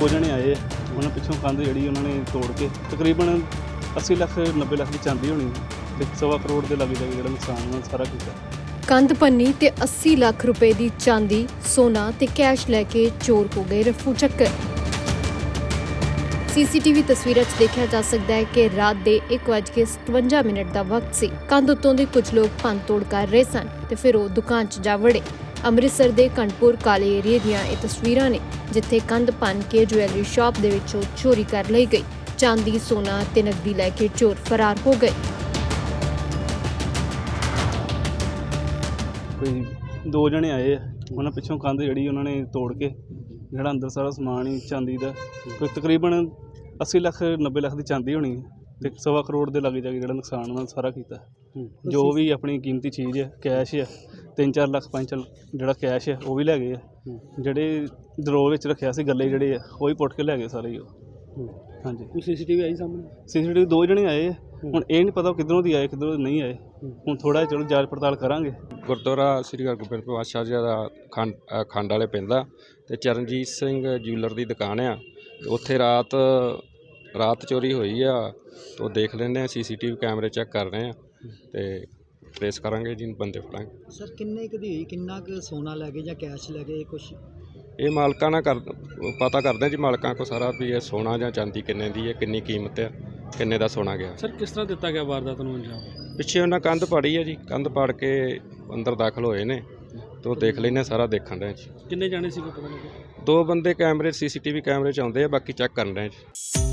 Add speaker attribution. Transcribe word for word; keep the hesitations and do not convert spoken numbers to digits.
Speaker 1: ਦੋ ਜਣੇ ਆਏ ਆ, ਉਹਨਾਂ ਪਿੱਛੋਂ ਕੰਧ ਜਿਹੜੀ ਉਹਨਾਂ ਨੇ ਤੋੜ ਕੇ ਤਕਰੀਬਨ अस्सी ਲੱਖ ਨੱਬੇ ਲੱਖ ਦੀ ਚਾਂਦੀ ਹੋਣੀ ਤੇ ਸਵਾ ਕਰੋੜ ਦੇ ਲਾਗੇ ਜਾਗੇ ਜਿਹੜਾ ਨੁਕਸਾਨ ਉਹਨਾਂ ਨੇ ਸਾਰਾ ਕੀਤਾ।
Speaker 2: ਕੰਧ ਪੰਨੀ ਤੇ अस्सी ਲੱਖ ਰੁਪਏ ਦੀ ਚਾਂਦੀ, ਸੋਨਾ ਤੇ ਕੈਸ਼ ਲੈ ਕੇ ਚੋਰ ਹੋ ਗਏ ਰਫੂ ਚੱਕਰ। ਸੀਸੀਟੀਵੀ ਤਸਵੀਰਾਂ 'ਚ ਦੇਖਿਆ ਜਾ ਸਕਦਾ ਹੈ ਕਿ ਰਾਤ ਦੇ ਇੱਕ ਵੱਜ ਕੇ ਸਤਵੰਜਾ ਮਿੰਟ ਦਾ ਵਕਤ ਸੀ। ਕੰਧ ਉੱਤੋਂ ਦੇ ਕੁਝ ਲੋਕ ਭੰਨ ਤੋੜ ਕਰ ਰਹੇ ਸਨ ਤੇ ਫਿਰ ਉਹ ਦੁਕਾਨ 'ਚ ਜਾ ਵੜੇ। ਅੰਮ੍ਰਿਤਸਰ ਦੇ ਕਣਪੁਰ ਕਾਲੇ ਏਰੀਏ ਦੀਆਂ ਇਹ ਤਸਵੀਰਾਂ ਨੇ ਜਿੱਥੇ ਕੰਧ ਭੰਨ ਕੇ ਜੁਐਲਰੀ ਸ਼ਾਪ ਦੇ ਵਿੱਚੋਂ ਚੋਰੀ ਕਰ ਲਈ ਗਈ। ਚਾਂਦੀ, ਸੋਨਾ ਤੇ ਨਕਦੀ ਲੈ ਕੇ ਚੋਰ ਫਰਾਰ ਹੋ ਗਏ।
Speaker 1: ਕੋਈ ਦੋ ਜਣੇ ਆਏ ਆ, ਉਹਨਾਂ ਪਿੱਛੋਂ ਕੰਧ ਜਿਹੜੀ ਉਹਨਾਂ ਨੇ ਤੋੜ ਕੇ ਜਿਹੜਾ ਅੰਦਰ ਸਾਰਾ ਸਮਾਨ ਹੀ ਚਾਂਦੀ ਦਾ ਕੋਈ ਤਕਰੀਬਨ अस्सी ਲੱਖ ਨੱਬੇ ਲੱਖ ਦੀ ਚਾਂਦੀ ਹੋਣੀ ਤੇ ਸਵਾ ਕਰੋੜ ਦੇ ਲਾਗੇ ਜਾਗੇ ਜਿਹੜਾ ਨੁਕਸਾਨ ਉਹਨਾਂ ਨੇ ਸਾਰਾ ਕੀਤਾ। ਜੋ ਵੀ ਆਪਣੀ ਕੀਮਤੀ ਚੀਜ਼ ਹੈ, ਕੈਸ਼ ਹੈ, ਤਿੰਨ ਚਾਰ ਲੱਖ ਪੰਜ ਚਾਰ ਜਿਹੜਾ ਕੈਸ਼ ਹੈ ਉਹ ਵੀ ਲੈ ਗਏ ਆ। ਜਿਹੜੇ ਦਰੋਹ ਵਿੱਚ ਰੱਖਿਆ ਸੀ ਗੱਲੇ ਜਿਹੜੇ ਆ ਉਹ ਵੀ ਪੁੱਟ ਕੇ ਲੈ ਗਏ ਸਾਰੇ ਹੀ ਉਹ। ਹਾਂਜੀ,
Speaker 3: ਕੋਈ ਸੀਸੀਟੀਵੀ ਆਈ ਸਾਹਮਣੇ?
Speaker 1: ਸੀਸੀਟੀਵੀ ਦੋ ਜਣੇ ਆਏ ਆ, ਹੁਣ ਇਹ ਨਹੀਂ ਪਤਾ ਕਿੱਧਰੋਂ ਦੀ ਆਏ ਕਿੱਧਰੋਂ ਨਹੀਂ ਆਏ। ਹੁਣ ਥੋੜਾ ਚਲੋ ਜਾਂਚ ਪੜਤਾਲ ਕਰਾਂਗੇ।
Speaker 4: ਗੁਰਦੁਆਰਾ ਸ੍ਰੀ ਹਰਗੋਬਿੰਦ ਪਾਤਸ਼ਾਹ ਜੀ ਦਾ ਖੰਡ ਖੰਡ ਵਾਲੇ ਪੈਂਦਾ ਅਤੇ ਚਰਨਜੀਤ ਸਿੰਘ ਜਿਊਲਰ ਦੀ ਦੁਕਾਨ ਆ। ਉੱਥੇ ਰਾਤ ਰਾਤ ਚੋਰੀ ਹੋਈ ਆ, ਉਹ ਦੇਖ ਲੈਂਦੇ ਆ, ਸੀਸੀਟੀਵੀ ਕੈਮਰੇ ਚੈੱਕ ਕਰ ਰਹੇ ਆ ਅਤੇ ਟਰੇਸ ਕਰਾਂਗੇ ਜੀ, ਬੰਦੇ ਫੜਾਂਗੇ।
Speaker 3: ਸਰ ਕਿੰਨੇ ਕੁ ਦੀ ਹੋਈ, ਕਿੰਨਾ ਕੁ ਸੋਨਾ ਲੈ ਗਏ ਜਾਂ ਕੈਸ਼ ਲੈ ਗਏ ਕੁਛ?
Speaker 4: ਇਹ ਮਾਲਕਾਂ ਨਾਲ ਕਰ ਪਤਾ ਕਰਦੇ ਜੀ, ਮਾਲਕਾਂ ਕੋਲ ਸਾਰਾ ਵੀ ਇਹ ਸੋਨਾ ਜਾਂ ਚਾਂਦੀ ਕਿੰਨੇ ਦੀ ਹੈ, ਕਿੰਨੀ ਕੀਮਤ ਆ, ਕਿੰਨੇ ਦਾ ਸੋਨਾ ਗਿਆ।
Speaker 5: ਸਰ ਕਿਸ ਤਰ੍ਹਾਂ ਦਿੱਤਾ ਗਿਆ ਵਾਰਦਾਤ ਨੂੰ ਅੰਜਾਮ?
Speaker 4: ਪਿੱਛੇ ਉਹਨਾਂ ਕੰਧ ਪਾੜੀ ਹੈ ਜੀ, ਕੰਧ ਪਾੜ ਕੇ ਅੰਦਰ ਦਾਖਲ ਹੋਏ ਨੇ ਤੇ ਉਹ ਦੇਖ ਲੈਂਦੇ ਸਾਰਾ ਦੇਖਣ ਰਹੇ ਜੀ।
Speaker 5: ਕਿੰਨੇ ਜਾਣੇ ਸੀ ਕੋਈ ਪਤਾ ਲੱਗਿਆ?
Speaker 4: ਦੋ ਬੰਦੇ ਕੈਮਰੇ ਸੀਸੀਟੀਵੀ ਕੈਮਰੇ 'ਚ ਆਉਂਦੇ ਆ, ਬਾਕੀ ਚੈੱਕ ਕਰਨ ਰਹੇ ਜੀ।